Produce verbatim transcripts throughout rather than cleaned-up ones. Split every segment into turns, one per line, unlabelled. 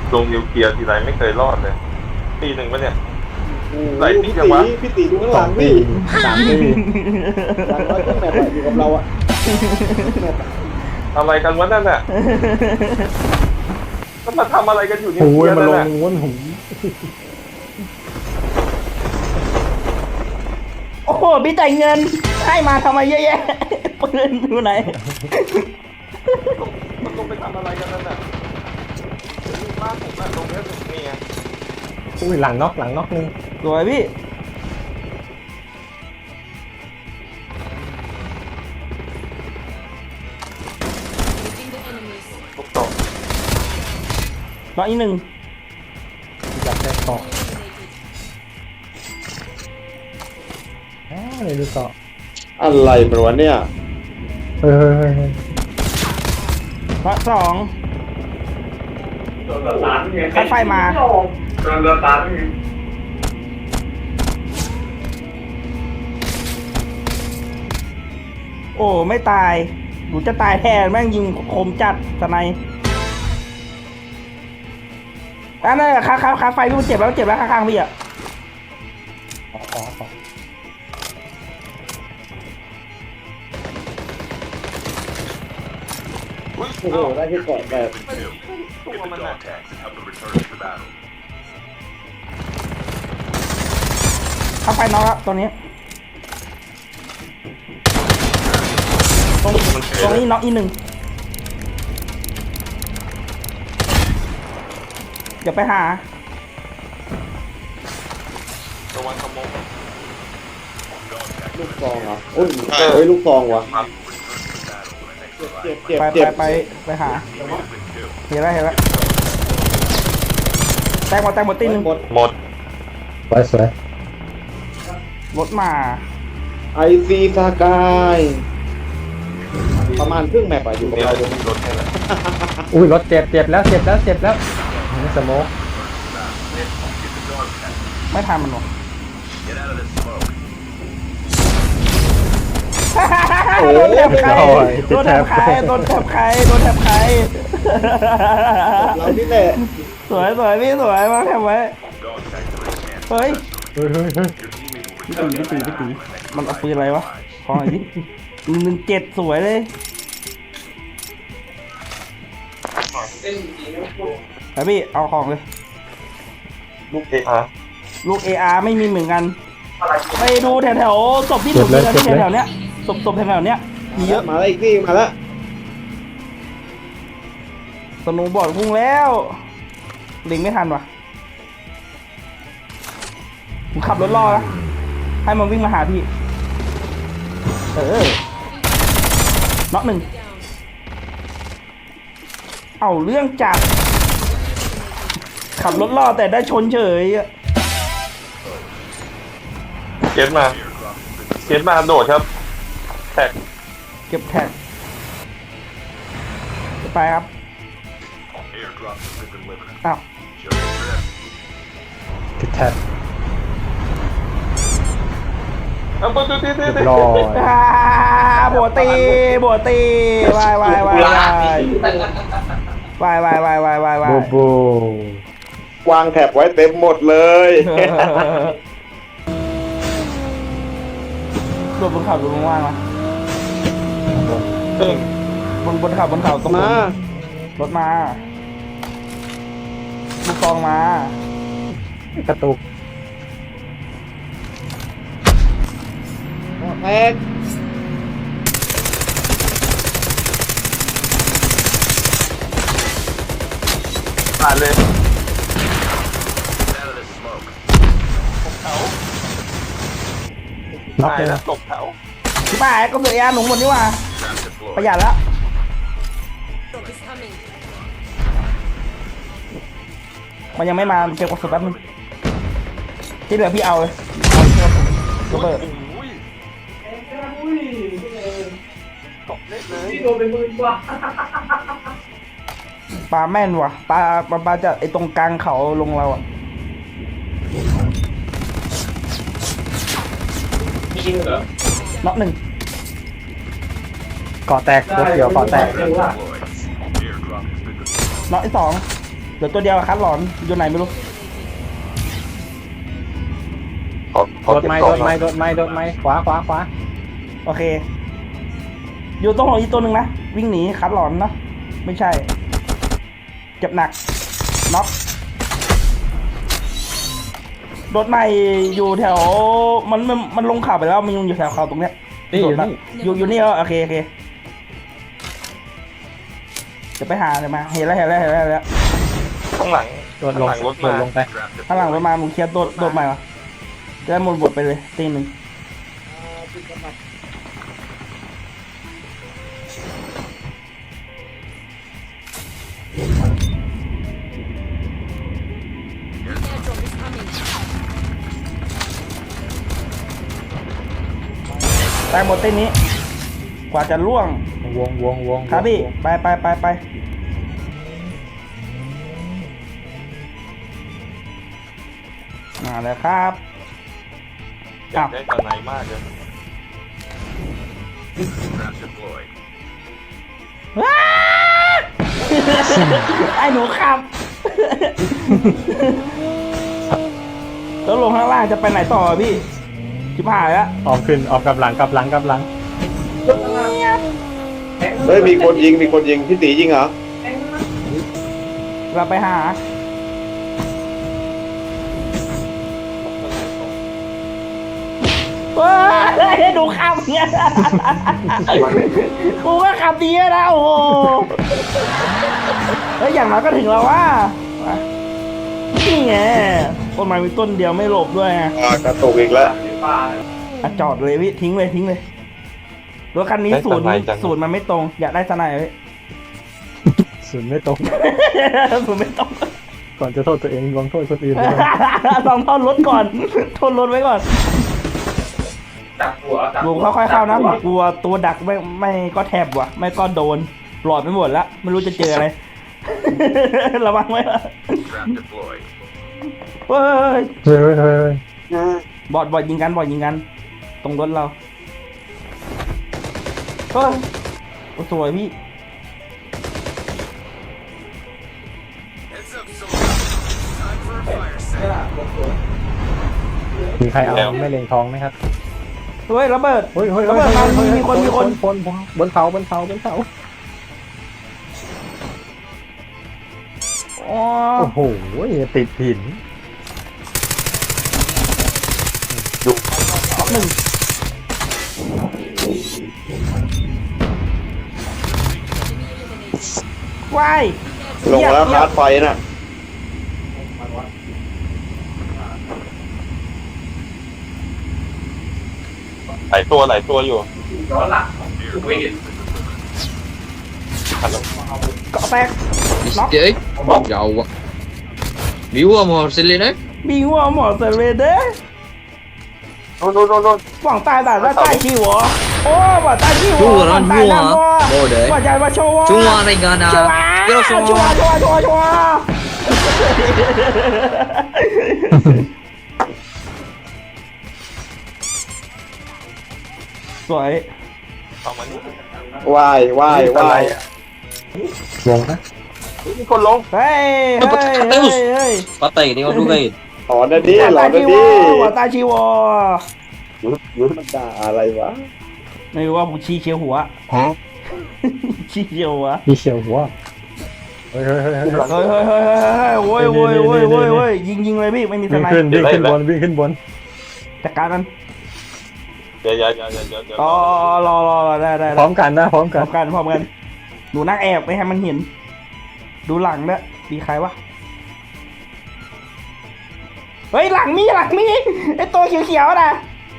ลงนิวเคลียร์ทีไรไม่เคยรอดเลยตีหนึ่งปะเนี่ย ไหล
โอ้
ติ๊
พี่
กยั
ตี
งวะ
พี่ตีดูข้างหลังพี่สามปีหลังร้อยเครื่องแมปอะอยู่กับเราอะแมปอะ
อะไรกันวะนั่นน่ะก็มาทำอะไรกันอยู่นิว
โอ้
เคลี
ย
ยร์
มา
นั่น
ลง
น่ะ
ง้วนหู
โอ้โหพี่จ่ายเงินให้มาทำไมเยอะแยะปืนอยู่ไหน
มันลงไปทำอะไรกันนั่นน่ะบ้านผมอะตรงเนี้ยนี่ไง
อุ้ยหลังน็อกหลังน็อกนึง
สวยพี่
ทุกตก
น้องอีกหนึ่ง
จับได้เกาะแหมเลยดูเกาะ
อะไรประวัติเนี่ย
เฮ้ยเฮ้ยเฮ้ยเฮ้ย
น้องสองคัดไฟมา โอ้ไม่ตายหนูจะตายแทนแม่งยิงคมจัดสไนป์อันนั้นคาคาคาไฟพี่มันเจ็บแล้วเจ็บแล้วข้างๆพี่อ่ะ
ขอขอขอ
อุ้ย
โอ้โหได้ที่เกาะแบบ
ตัวมันน่ะ
คาไฟน้องแล้วตัวนี้ตรงตรงนี้น็อกอีกหนึ่งเดี๋ยวไปหา
ระวังขโมย
ลูกซองเหรอโอ้ยเฮ้ยลูกซองวะเจ็บเจ็บ
ไป
เจ็
ไป
บ
ไปไปหาเห็นแล้วเห็นแล้วแตงหมดแตงหมดตีหนึ่ง
หมด
หมด
สวยสวย
รถมา
ไอซีสกายประมาณครึ่งแมปอะอยู่กับ
นี่
เรา
เรา
ตรงนี้
รถให้แล้ว
อุ้ยรถเจ็บเจ็บแล้วเจ็บแล้วเจ็บแล้วนี่สโมก
ไม่ทันมันหรอก
โอ้
โดน
โห
แถบใครโดนแถบใครโดนแถบใครโดนแถบใคร
เราที่แหละ
สวยสวยพี่สวยมาแถบไว้เฮ้ย
เฮ้ยเฮ้ยเฮ้ย
พี่ตีพี่ตีพี่ตีมันเอาปืนอะไรวะขอหน่อยดิหนึ่งเจ็ดสวยเลยไปพี่เอาของเลย
ลูกเออาร์
ลูก เอ อาร์ ไม่มีเหมือนกันไปดูแถวแถวๆศพที่ถูกยิงกันที่แถวๆเนี้ยศพศพแถวๆเนี้ยมีเยอะ
มาแล้วอีกที่มาแล้ว
สโนุบอร์ดพุ่งแล้วลิงไม่ทันว่ะผมขับรถล่อนะให้มันวิ่งมาหาพี่ เออน็อกหนึ่งเอาเรื่องจัดขับรถล่อแต่ได้ชนเฉยอะ
เก็ตมาเก็ตมาโดดครับแท็ก
เก็บแท็กไปครับอ้าว
ติดแทบ
เอาปุ๊บปุ๊บปุ๊บ
เรียบ
ปุ๊บ
ร้อย
อ่าโบตีโบตีวายวายวายวายวายวายวายวายวายวาย
บูบู
วางแถบไว้เต็มหมดเลย
รถบนเขาดูว่างๆนะ
เออบ
นบนเขาบนเขาตรงบน
มาร
ถมาลูกกองมาก
ระตุก
แตก
ผ่านเลยตกเขา
น็อก
ตาย
เลย
แล้
นะ
วตกเขา
พี่ป้าก็เสียยาหนุ่มหมดนี่หว่าประหยัดแล้วมันยังไม่มาเก็บกระสุนแป๊บนึงที่เหลือพี่เอาเลยเอาเก็บกระสุนระเบิด
อุ้ยตกเละเลย
ปลาแม่นว่ะปลาปลาปลาจะไอตรงกลางเขาลงเราอ่ะน็อกหนึ่ง
เกาะแตกรถเกี่ยวเกาะแตก
น็อกที่สองเหลือตัวเดียวคัดหลอนอยู่ไหนไม่รู้
ขอขอ
โดด
เก็บ
ไม้
กล่
โด
อง
ด
หน่
ไม้
อย
โดดไม้โดดไม้ขวาขวาขวา
โอเค อยู่ตรงหลังอีกตัวหนึ่งนะวิ่งหนีคัดหลอนนะไม่ใช่เจ็บหนักน็อกรถใหม่อยู่แถวมันมันมันลงเขาไปแล้วมันยังอยู่แถวเขาตรงเนี้ย
นี่อยู่นี่
อยู่อยู่นี่เหรอโอเคโอเคเดี๋ยวไปหาเดี๋ยวมาเห็นแล้วเห็นแล้วเห็นแล้วเห็นแล้ว
ข้างหลัง
โดดลง
ข้างหลังรถ
โด
มา
ดลงไป
ข้างหลังรถมามึงเคลียร์โดดโดดใหม่วะจะได้หมดบทไปเลยตีหนึ่งตายหมดเต้นนี้ กว่าจะล่วง
วงวงวง
ครับพี่ไปไปไปไปมาแล้วครับ
อยากได้ตอนไหนมากเลย
ว้า ไอ้หนูครับ แล้วลงข้างล่างจะไปไหนต่อพี่ชิบหายแล้ว
ออกขึ้นออกกับหลังกับหลังกับหลัง
เฮ้ยมีคนยิงมีคนยิงพี่ตียิงเหรอ
เราไปหาเฮ้ยดูขับเนี่ยกูก็ขับดีนะโอ้โหเฮ้ยอย่างน้อยก็ถึงแล้วว่านี่ไงต้นไม้มีต้นเดียวไม่หลบด้วยไง
อ่ากระตุกอีกแล้ว
อ่ะจอดเลยพี่ทิ้งเลยทิ้งเลยรถคันนี้ศูนย์ศูนย์มันไม่ตรงอยากได้สไนด์พี่
ศูนย์ไม่ตรง
ศูนย์ไม่ตรง
ก่อนจะโทษตัวเองลองโทษคนอื่นด้วย
ลองทอนรถก่อนทนรถไว้ก่อน
จับหัวจับ
ผมค่อยๆเข้านะผมกลัวตัวดักไม่ไม่ก็แทบว่ะ ไม่ก็โดนหลอดไปหมดแล้วไม่รู้จะเจออะไร ระวังไว้ละเฮ้ย
เฮ้ยเฮ้ยเฮ้ย
บอดบอดยิงกันบอดยิงกัน ตรงรถเราเฮ้ยโอ้สวยพี่
มีใครเอาไม่เล็งทองไหมครับ
เฮ้ยระเบิด
เฮ้ยเฮ้ย
ระเบิดมามีมีคนมีคน
คนบนเขาบนเขาบนเขา
อ๋อ
โอ้โหติดหิน
หนึ่งวาย
ลงแล้วคาร์ดไฟน่ะ
หลายตัวหลายตัวอยู่
เกาะแตก
Chết Dầu quá Biểu mà xin lên đấy
มีหัวหมอเซเลเด้
โน่นโน่นโน่นโน่น
หวังตายแต่ละใต้ชีหัวโอ้หวังตายชีหัว
Chúa
หวั
nó
งตายนั่น
vua
วัว
Bồ đệ
หวังใจว่าโชว์
Chúa này gần
ชัว
à
ร์
Cái
ชัว
đó
ร์ชัว
xung
ร์ชัวร์ชัวร์ชัวร์สวย
เอามานี่
ว่ายว่ายว่าย
วงนะ
มีคนลง
เฮ้ยเฮ้ยเฮ้ยเฮ้ย
Có tiền đi con đu ghi
ถอนนะดิ
หวัง
หลอ
ตาน ย
นะ
ชีว
ดิ
อหวังตายชีวอ
หยุดหยุด
มันด่าอะไรวะ
ไม่รู้ว่าผมชี้เชียวหัวชี้เชียวหัว
มีเฉียวหัวเฮ้ยเฮ้ยเฮ้ยเฮ้ย
เฮ้ยเฮ้ยเฮ้ยเฮ้ยเฮ้ยโว้ยโว้ยโว้ยโว้ยโว้ยยิงยิงเลยพี่ไม่มีส
วิ่ง
ไน
ขึ้น
ป์
วิ่งขึ้นบนวิ่งขึ้นบน
จัดการมัน
เดี๋ยวเดี๋ยวเดี๋ยวเดี๋ยวเดี๋ยวเดี๋ยว
อ๋อรอรอรอได้ได้
พร้อมกันนะพร้อม
พ
กั
ร้อน มกันพร้อมกันหนูนั่งแอบไม่ให้มันเห็น ดูหลังด้วยมีใครวะเฮ้ยหลังมีหลังมีไอตัวเขียวๆนะ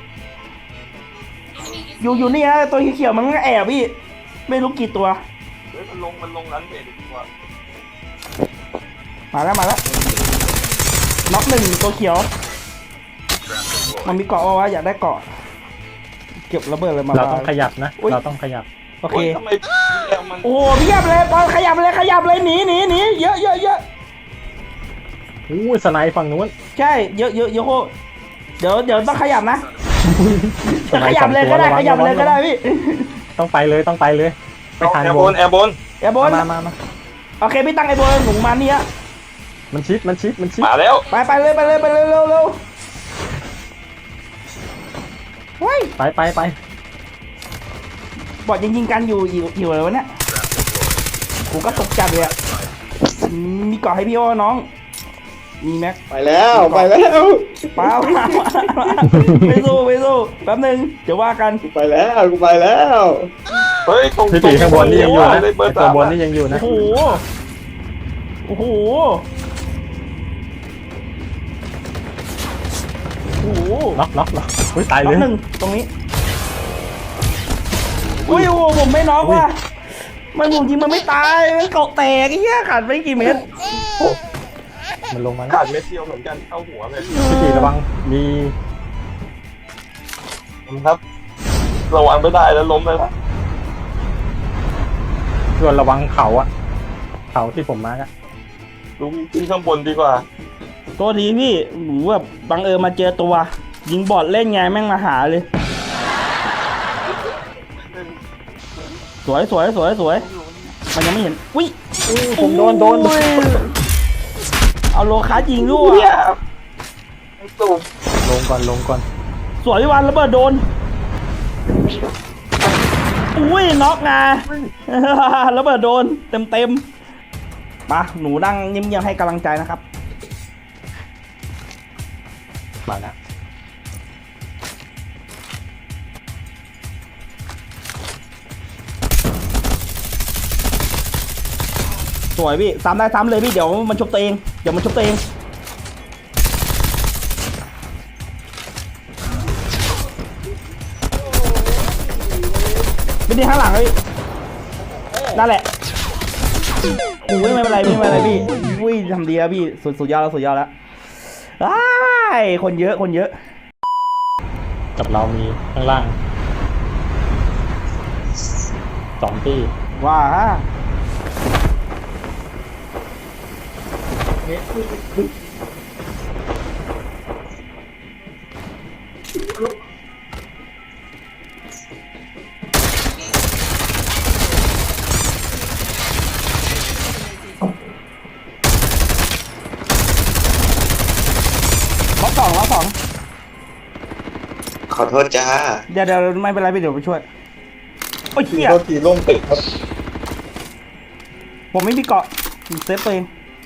อยู่อยู่นี่นะตัวเขียวๆมันก็แอบพี่ ไม่รู้กี่ตัว
เฮ้ยมันลงมันลงร้านเพจดีกว่า
มาแล้วมาแล้วน็อกหนึ่งตัวเขียว มันมีเกาะวะอยากได้เกาะ เก็บระเบิดเลยมา
เราต้องขยับนะ
อุ๊ย
เราต้องขยับ
โอเค
โยทำไมแอลมัน
โอ้โหเพียบเลยบอลขยับเลยขยับเลยหนีหนีหนีเยอะเยอะเยอะ
อู้สไนฝั่งนู้น
ใช่เยอะเยอะเยอะโคตรเดี๋ยวเดี๋ยวต้องขยับนะ
สไน
ขยับ
สอง
เลย
ตัว
ก็ได้
ระวัง
ขยับเลยก็ได้
ระวัง
พี่
ต้องไปเลยต้องไปเลยไม่ทัน
แอร์
ว
บ
ง
นแอร์บน
แอร์บอล
มามามา
โอเคพี่ตั้งไอ้บอลหนูมานี่ฮะ
มันชิดมันชิดมันชิด
มาแล้ว
ไปไปเลยไปเลยไปเลยเร็วเร็วเฮ้ย
ไปไปไป
บอดยังยิงกันอยู่อยู่อยู่เลยวะเนี่ยกูก็ตกใจเลยอะมีเกาะให้พี่โอ้น้องมีแม็ก
ไปแล้วไปแล้ว
เปล่าไปสู้ไปสู้แป๊บนึงเดี๋ยวว่ากัน
ไปแล้วกูไปแล้ว
เฮ้ยตรง
พี่ตีข้างบนนี่ยังอยู่นะ
ได้เบอร์
ตั
สาว ม
บนนี่ยังอยู่นะ
โอ้โหโอ้โหโอ้โห
ล็อกล็อกล็อกอุ้ยตายเล
น็อย กหนึ่งตรงนี้อุ้ยโอ้โหผมไม่น็อกว่ะมันผมยิงมันไม่ตายมันเกาะแตกไอ้เหี้ยขาดไปกี่เมตร
มันลงมาแล้ว
ขาดเม็ดเดียวเหมือนกันเข้าหัวเลย
พี่ตีระวังมี
ครับ ระวังไม่ได้แล้วล้มเลยละ
ส่วนระวังเขาอะเขาที่ผมมาร์กอะ
ดูที่ข้างบนดีกว่า
ตัวดีพี่หนูแบบบังเอิญมาเจอตัว ยิงบอดเล่นไงแม่งมาหาเลย สวยสวยสวยสวยมันยังไม่เห็นอุ้ย
ผมโดนโดน
อุ้ยเอาโลคัสยิงด้วย
เนี่ยสูบ
ลงก่อนลงก่อน
สวยวันระเบิดโดนอุ้ยน็อกงา ระเบิดโดนเต็มเต็มมาหนูนั่งเงียบๆให้กำลังใจนะครับ
มาแล้ว
สวยพี่ซ้ำได้ซ้ำเลยพี่เดี๋ยวมันชุบตัวเองเดี๋ยวมันชุบตัวเองไม่ได้ข้างหลังเลยนั่นแหละโอ้ยไม่เป็นไรไม่เป็นไรพี่อุ้ยทำดีแล้วพี่สุดสุดยอดแล้วสุดยอดแล้วอ้ายคนเยอะคนเยอะ
กับเรามีข้างล่างสองที่
ว้าล็อกสองล็อกสอง
ขอโทษจ้า
เดี๋ยวเดี๋ยวไม่เป็นไรพี่เดี๋ยวไปช่วยโอ้ยเหี้ย
โทษทีล่มตึกครับ
ผมไม่มีเกาะเซฟตัวเอง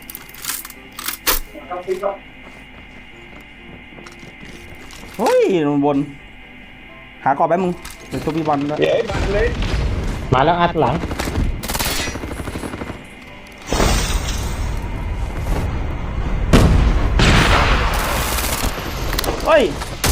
เฮ้ยลงบน หาเกาะแป๊บมึงเดี๋ยวตัวพี่บอลด้วย
เย้มาเลย
มาแล้วอัดหลัง
เฮ้ย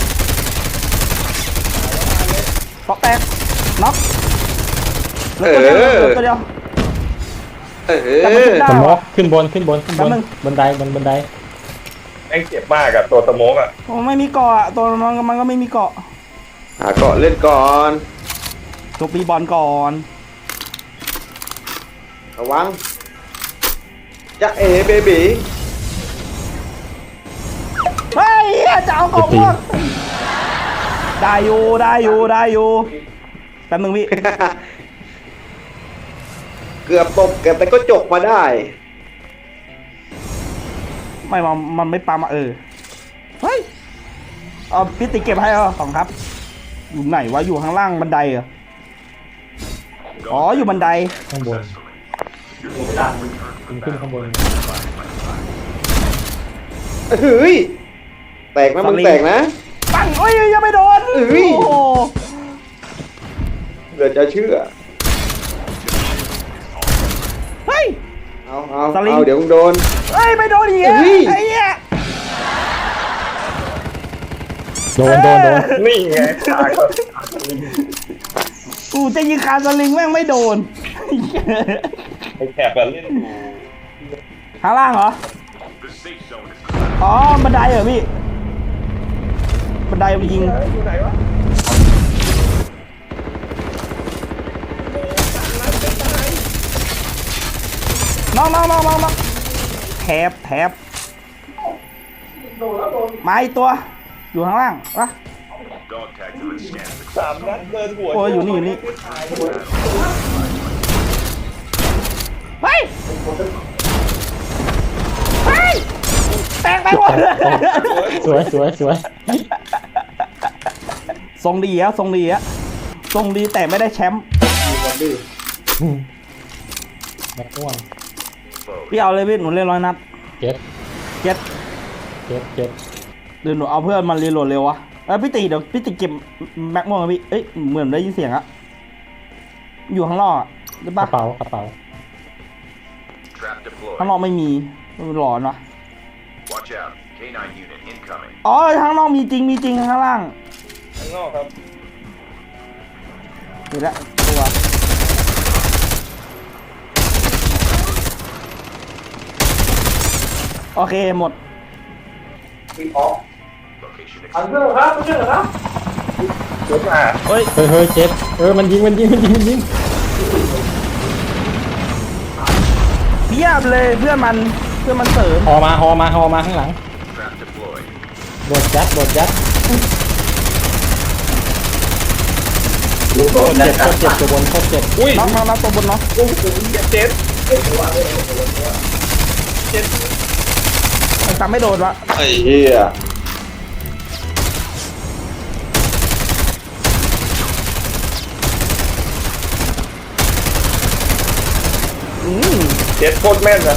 เกาะแตกน็อกเหลือตัวเดียวเหลือตัวเดียว
เอ
แต่มัน
อ
ชุบได้
สม
เห
ม
รอ
กขึ้นบนขึ้นบนขึ้นบ
แป๊
น
บนึง
บันไดบนบันได
แม่งเจ็บมากอะตัวสโมกอะ
โอ้ไม่มีเกาะอะตัวมันมันก็ไม่มีเกาะ
หาเกาะเล่นก่อน
ตัวปีบอลก่อน
ระวังจะเอเบบี
เฮ้ยจะเอาเกาะม่วงได้อยู่ได้อยู่ได้อยู่แป๊บนึงพี่
เกือบตกเกือบแต่ก็จกมาได้
ไม่มันมันไม่ปามาเออ เฮ้ย เอาพี่ติเก็บให้เหรอของครับ อยู่ไหนวะ อยู่ข้างล่างบันไดเหรอ อ๋อ อยู่บันได
ข้างบนขึ้นขึ้นข้างบน
เฮ้ยแตกนะมึงแตกนะ
ปังโอ้ยยังไม่โดน
เอ้ย
โอ้โห
เดี๋ยวจะเชื่อ
เฮ้ย
เอาเอา
สลิง
เอาเดี๋ยวมึงโดน
เฮ้ย ไม่โดนอีกอะ
เฮ้ย
ไอ้เหี้ย
โดนโดนโดน
นี่ไงขาด
กูจะยิงคาสลิงแม่งไม่โดน
ไอ้แถบอะเล่นอยู่
ข้างล่างเหรอ อ๋อ บันไดเหรอพี่ บันไดมันยิง
อยู่ไหนวะ
น้องน้องน้องน้องน้องแถบแถบมาอีกตัว อยู่ข้างล่างวะ
สามนัดเดินหัว
โอ้ยอยู่นี่อยู่นี่ เฮ้ย เฮ้ยแตกไปหมดเลย
สวยสวยสวย
ทรงดีอะทรงดีอะทรงดีแต่ไม่ได้แชมป์
อยู่กันดิ
แม็กม่วง
พี่เอาเลยพี่หนูเล่นร้อยนัด
เจ็ด
เก็ต
เจ็ดเจ็ด
เดี๋ยวหนูเอาเพื่อนมันรีโหลดเร็ววะเอ้ยพี่ตีเดี๋ยวพี่ตีเก็บแม็กม่วงอะพี่เอ้ยเหมือนได้ยินเสียงอะอยู่ข้างนอกอะได้
ก
ปะ
ระเป๋ากระเป๋า
Trap deployed.
ข้างนอกไม่มีหลอนวะ
Watch out. K nine unit incoming.
อ๋อข้างนอกมีจริงมีจริงข้างล่าง
ข้างนอกครับ
เห็นแล้วตัวโอเคหมด
Location
อัน
exposed.
เดอร์ครับอันเดอร์ครับเดี๋ยวมา
เฮ้ย
เฮ้ยเฮ้ยเจ็ดเออมันยิงมันยิงมันยิงมันยิง
เพียบเลยเพื่อนมันเพื่อนมันเสริม
ฮอมาฮอมาฮอมาข้างหลัง
Trap deployed.
โดดยัดโดดยัดโคตรเจ็บโคตรเจ็บตัวบนโคตรเจ็บ
อุ้ย
น็อกน็อกน็อกตัวบนน็อก
โอ้โหเจ็ด
มันจำไม่โดนวะ
ไอ้เหี้ย
อืม
เจ็ดโคตรแม่นนะ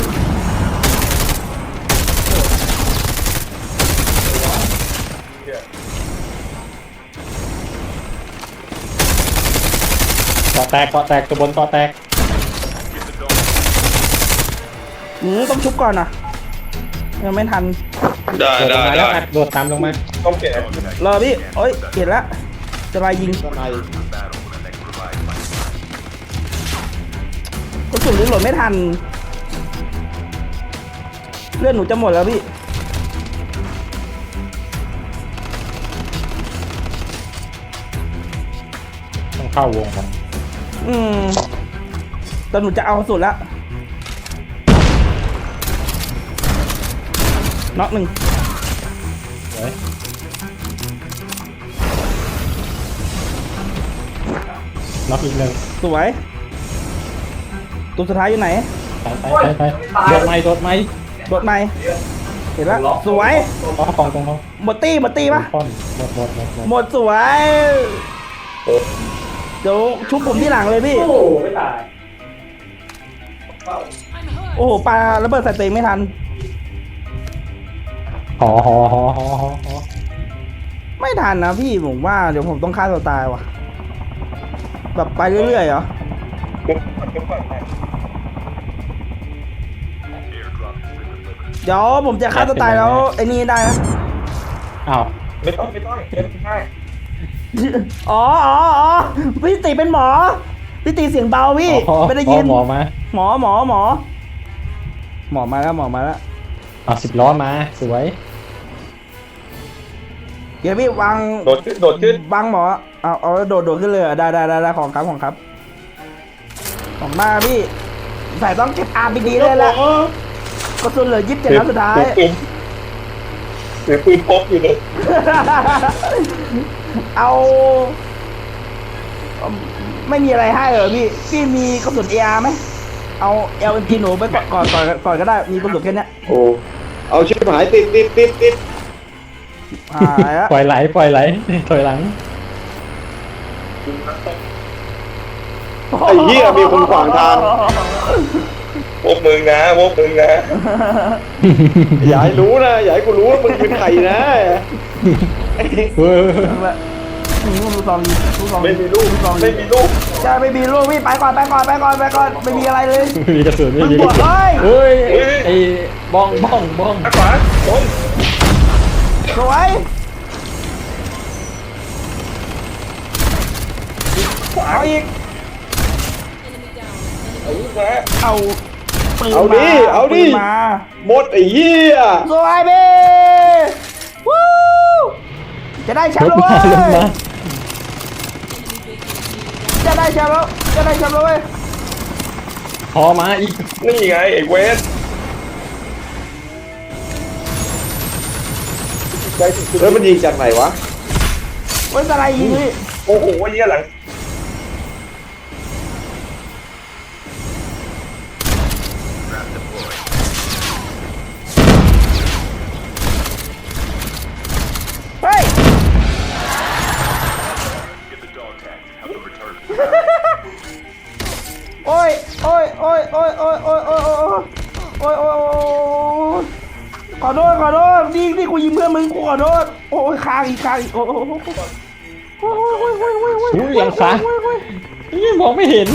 เกาะแตกเกาะแตกตัวบนเกาะแตก
อืมต้องชุบก่อนนะยังไม่ทัน
ได้
โดดล
ได้
งมาแล้
ได้
วอัดโดดตามลงมา
ต้องเปลี่ยน
รอพี่โอ้ยเห็นแล้วจะมายิง
ข้างใน
Battle for the next revived flight.
กระสุนรีโหลดไม่ทันเลือดหนูจะหมดแล้วพี่
ต้องเข้าวงกัน
อืมแต่หนูจะเอาสุดแล้วน็อกหนึ่ง
สวยน็อกอีกหนึ่ง
สวย ตัวสุดท้ายอยู่ไหน
ไปไปไปไปโดดไม้โดดไม้
โดดไหมเห็นแล้วสวย
อ๋อกองตรงเขา
หมดตี้หมดตี้ปะ
ป้อนหมดหมดหมดหมด
หมดสวยเดี๋ยวชุบผมที่หลังเลยพี่
โอ้โหไม่ตาย
โอ้โหปลาระเบิดใส่ตัวเองไม่ทัน
หอหอหอหอหอหอ
ไม่ทันนะพี่ผมว่าเดี๋ยวผมต้องฆ่าตัวตายว่ะ แบบไปเรื่อยๆเหรอ
เก็บก่อนเก็บก่อน
Airdrop has been delivered.
เดี๋ยวผมจะฆ่าตัวตายแล้วไอ้นี่ได้นะ
อ้าว
ไม่ต้องไม่ต้องเก็บง่าย
อ๋ออ๋ออ๋อพี่ติเป็นหมอ พี่ติเสียงเบาพี่
อ๋อ
ไม่ได้ยิน
หมอมา
หมอหมอหมอ หมอมาแล้วหมอมาแล้ว
เอาสิบล้อมาสวย
เดี๋ยวพี่วาง
โดดขึ้นโดดขึ้น
วางหมอ เอาเอาโดดโดดขึ้นเลยเหรอได้ได้ได้ได้ของครับของครับ ของมาพี่ใส่ต้องเก็บอาร์พีดีเลยแหละกระสุนเหลือยี่สิบเจ็ดนัดสุดท้าย
ปืนเสียปืนพกอยู่เลย
เอาไม่มีอะไรให้เหรอพี่ พี่มีกระสุนเออาร์ไหม เอา เอล เอ็ม จี หนูไปก่อนก่อนก่อนก่อนก็ได้ มีกระสุนแค่เนี้ย
โอ้เอาชิบหายติดติดติดติด
หายละ
ปล่อยไหลปล่อยไหลถอยหลัง
ไอ้เหี้ยมีคนขวางทาง
พวกมึงนะพวกมึงนะ
อย่าให้รู้นะอย่าให้กูรู้ว่ามึงเป็นใครนะ
เฮ้ย
อืมดูซองดูซอง
ไม่มีลูก
ดูซอง
ไม่มีลูก
ใช่ไม่มีลูกพี่ไปก่อนไปก่อนไปก่อนไปก่อนไม่มีอะไรเลย
ไม่มีกระสุนไม่มีก
มึ
ระ
ง
สุน
บอก
เฮ้ย
เฮ้ย
ไอ้บ้องบ้องบ้อง
ข้างขวาตรง
สวยเอาอีก
เอาลูกมา
เอาปืน
เอาดิ
มา
เอาดิ
ปืนมา
หมดไอ้เหี้ย
สวยพี่วู้จะได้แช
ล
มป์
ง
แล้ว
มา
เว้
ลงมาย
จะได้แชมป์แล้วจะได้แชมป์แล้วเว้ย
พอมาอีก
นี่ไงไอ้เวสใจสุด
แล้วมันยิงจากไหนวะ
เว้ยอะไรยิงพี่
ๆโอ้โหเยี่ยหลัง
Trap deployed.
อ้ยโอ้ยโอ้ยขอโทษขอโทษนี่นี่กูยิงเพื่อนมึงกูขอโทษโอ้ยค้างอีกค้างอีกโอ้ยโอ้ยโอ้ยโอ้ยโอ้ยโอ้ยโอ้ยโอ้ย
อุ้ยยังค้างนี่มองไม่เห็น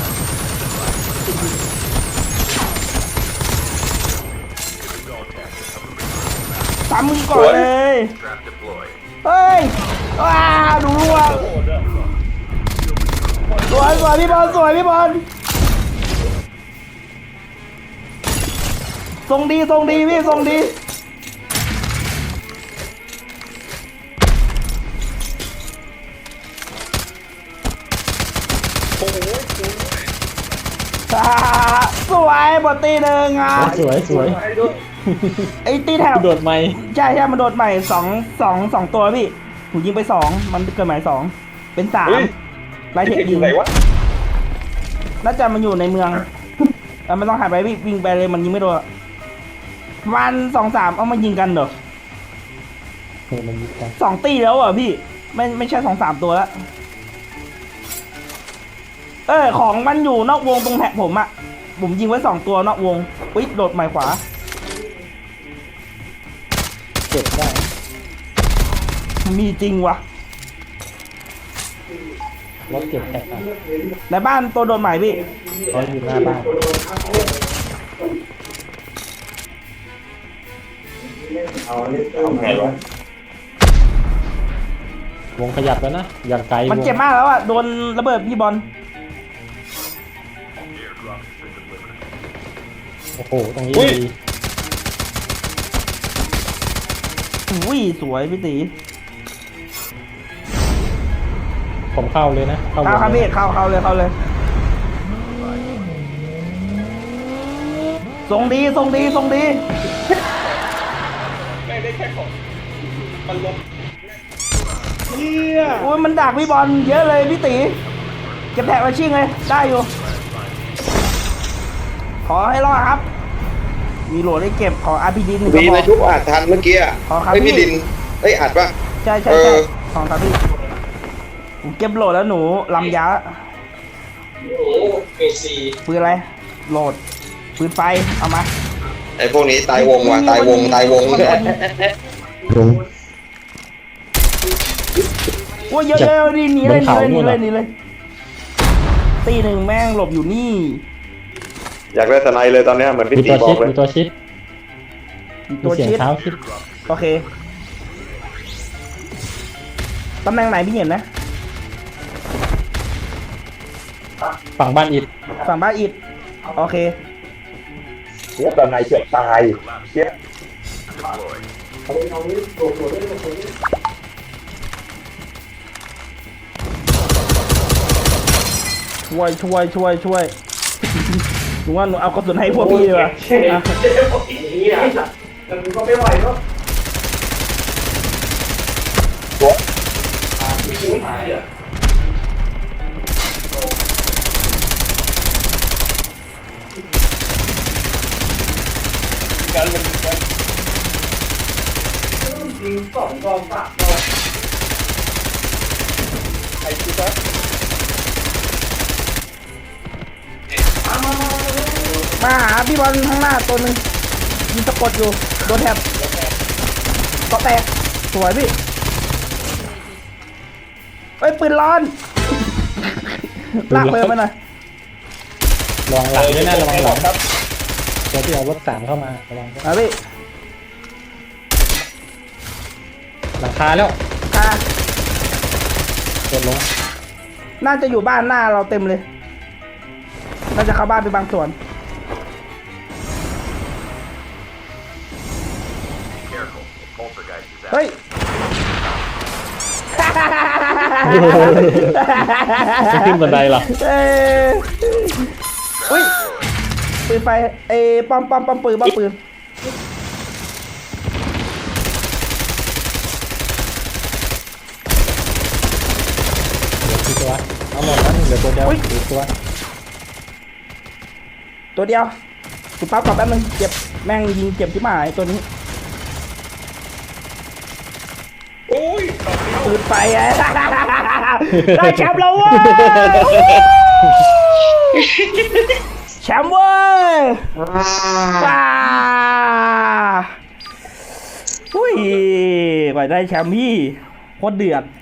ตามมึงก่อนเลย
Trap deployed.
เฮ้ยว้าดูร่วงสวยสวยพี่บอลสวยพี่บอลทรงดีทรงดีพี่ทรงดีอ่าสวยบอลตีหนึ่งอ่ะ
สวยสวย
ไอ้ตีแถว
โดดไม่
ใช่ใช่มันโดดใหม่สองสองสองตัวพี่ผมยิงไปสองมันเกิดใหม่สองเป็นสามไล่เทคยิงน่าจะมันอยู่ในเมืองเออมันต้องหันไปวิ่งวิ่งไปเลยมันยิงไม่โดนวันสองสามเอามายิงกันเหรอ
เออมันยิงกัน
สองตีแล้วเหรอพี่ไม่ไม่ใช่สองสามตัวแล้วเออของมันอยู่นอกวงตรงแท็กผมอะผมยิงไว้สองตัวนอกวงอุ๊ยโดดใหม่ขวา
เก็บได้
มีจริงวะ
รถเก็บแท็กอะ
ในบ้านตัวโดนใหม่พี่
เขาอยู่หน้าบ้านวงขยับแล้วนะอย่างไกล
มัน
วง
เจ็บมากแล้วอะโดนระเบิดพี่บอล
Airdrop has been delivered.
โอ้โหตรงนี้ดี
อุ้ยสวยพี่ตี
ผมเข้าเลยนะเข้าว
เข้าง ครับ
เล
พี่
ย
เข้าเข้าเลยเข้าเลยทรงดีทรงดีทรงดีไม่ได้แค่ของมันลบเนี่ยโอ้ยมันดักพี่บอลเยอะเลยพี่ตีเก็บแท็กมาชิ่งเลยได้อยู่ ขอให้รอดครับ มีโหลดได้เก็บขอ อาร์ พี ดี หนึ่งกระ
มี
บ
ใน
อก
ทุกอัดทันเมื่อกี้อ่ะ
ขอครับ
ไอ้ย
พี่
พี่ดินไอ้ยอัดปะ
ใช่ใช่
เอ
ใช่
อ
ของครับพี่ผมเก็บโหลดแล้วหนูลำยาปืนอะไรโหลดปืนไฟเอามา
ไอ้พวกนี้ตายวงว่ะตายวงตายวง
โอ้ยเยอะเยอะนี่หนีเลยหนีเลยหนีเลยหนีเลยตีหนึ่งแม่งหลบอยู่นี่
อยากได้สไนเลยตอนเนี้ยเหมือนพี่
มี
ตี
ตัว
บอ
ชิด
กเลย
มีตัวชิด
ตัว
มีเสียง
ชิด
เท้าชิด
โอเคตำแหน่งไหนพี่เห็นนะ
ฝั่งบ้านอิด
ฝั่งบ้านอิดโอเค
เสียตอนไหนเกือบตายเสีย
Deployed.
ช่วยช่วยช่วยช่วยหนูว่าหนูเอากระสุนให้พวกพี่ดีกว่าอ่ะ มาหาพี่บอลข้างหน้าตัวหนึ่งยิงสะกดอยู่โดนแถบก็แตกสวยพี่เอ้ยปืนร้อนลากเพิ่มไปหน่อย
ระวังหลังด้วยนะระวังหลังตัวที่เอารถสามเข้ามาระวังด้วย
มาพี่
หลังคาแล้ว
ค่ะ
กดลง
น่าจะอยู่บ้านหน้าเราเต็มเลยน่าจะเข้าบ้านไปบางส่วน
Careful. Poltergeist is out.
เฮ้ย
ไม่ขึ้นบันไดหรอ
เอ้ยอุ้ยปืนไฟเอ้ยปอมปอมปอมปืนปอมปืน
เหลือกี่ตัวเอาหมดแล้วเหลือตัวเดียวอีกตัว
ตัวเดียวกูปั๊บก่อนแป๊บนึงเจ็บแม่งยิงเจ็บที่หมายตัวนี้ปืนไฟไอ้ ได้แชมป์แล้วเว้ยแชมป์เว้ยว้าอุ้ยกว่าได้แชมป์พี่โคตรเดือด